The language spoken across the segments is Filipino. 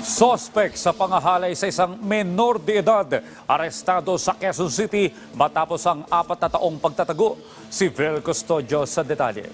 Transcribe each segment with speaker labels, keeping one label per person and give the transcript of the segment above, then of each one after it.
Speaker 1: Sospek sa pangahalay sa isang menor de edad, arestado sa Quezon City matapos ang 4 na taong pagtatago. Si Vel Custodio sa detalye.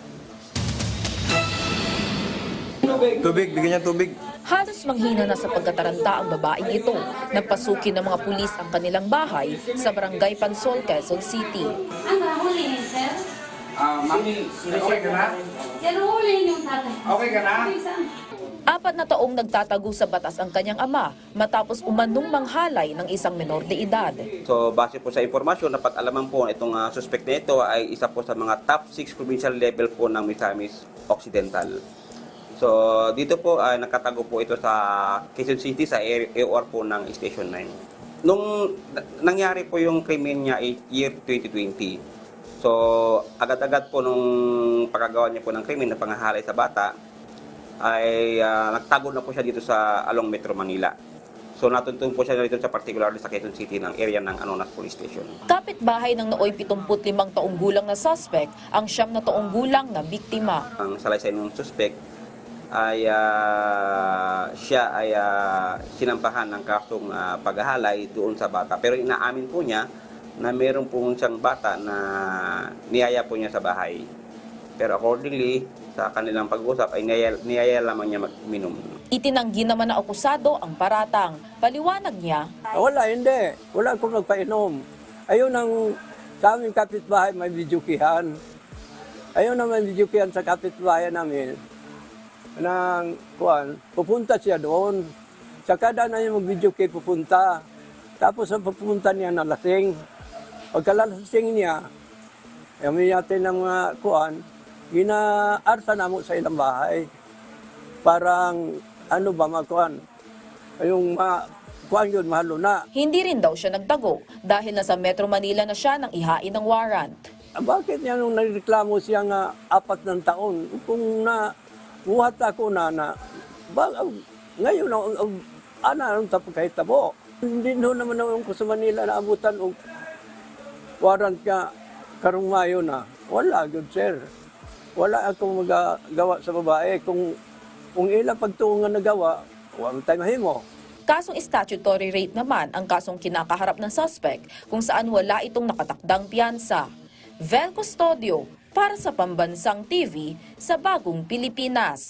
Speaker 2: Tubig, bigyan niya tubig.
Speaker 3: Halos manghina na sa pagkataranta ang babaeng ito nang pasukin ng mga pulis ang kanilang bahay sa Barangay Pansol, Quezon City.
Speaker 4: Ano, hulihin, sir?
Speaker 5: Mami, okay ka na?
Speaker 4: Yan, hulihin yung tatay.
Speaker 5: Okay ka na?
Speaker 3: 4 na taong nagtatago sa batas ang kanyang ama matapos umanong manghalay ng isang menor de edad.
Speaker 2: So, base po sa impormasyon, dapat alaman po itong suspect na ito ay isa po sa mga top 6 provincial level po ng Misamis Occidental. So, dito po ay nakatago po ito sa Quezon City sa AOR po ng Station 9. Nung nangyari po yung krimen niya ay year 2020. So, agad-agad po nung pagkagawa niya po ng krimen na pangahalay sa bata, ay nagtago na po siya dito sa Along Metro Manila. So natuntun po siya dito sa particularly sa Quezon City ng area ng Anonas Police Station.
Speaker 3: Kapitbahay ng nooy 75 taong gulang na suspect ang 9 na taong gulang na biktima.
Speaker 2: Ang salaysay ng suspect ay siya ay sinampahan ng kasong paghahalay doon sa bata. Pero inaamin po niya na meron po siyang bata na niyaya po niya sa bahay. Pero accordingly, sa kanilang pag-usap ay niyaya lamang niya mag-minom.
Speaker 3: Itinanggi naman na akusado ang paratang. Paliwanag niya,
Speaker 6: Wala, hindi. Wala akong nagpainom. Ayun ang sa aming kapitbahay may videokihan. Ayun ang may videokihan sa kapitbahay namin. Pupunta siya doon. Sa kada na yung mag-videoki pupunta. Tapos ang pupunta niya na lasing. Pagkalasing niya, may natin ng ginaarsa na mo sa ilang bahay. Parang, yung kuhan yun, mahalo na.
Speaker 3: hindi rin daw siya nagtago dahil nasa Metro Manila na siya nang ihain ng warrant.
Speaker 6: Bakit niya nung nagreklamo siya nga 4 ng taon? Kung buhat ako ngayon, anong tapos kahit tabo? Hindi naman naman ko sa Manila na abutan o warrant ka karong Mayo na. Wala, good sir. Wala akong magagawa sa babae. Kung ilang pagtuungan na gawa, huwag tayo mahimo.
Speaker 3: Kasong statutory rape naman ang kasong kinakaharap ng suspect kung saan wala itong nakatakdang piyansa. Vel Custodio para sa Pambansang TV sa Bagong Pilipinas.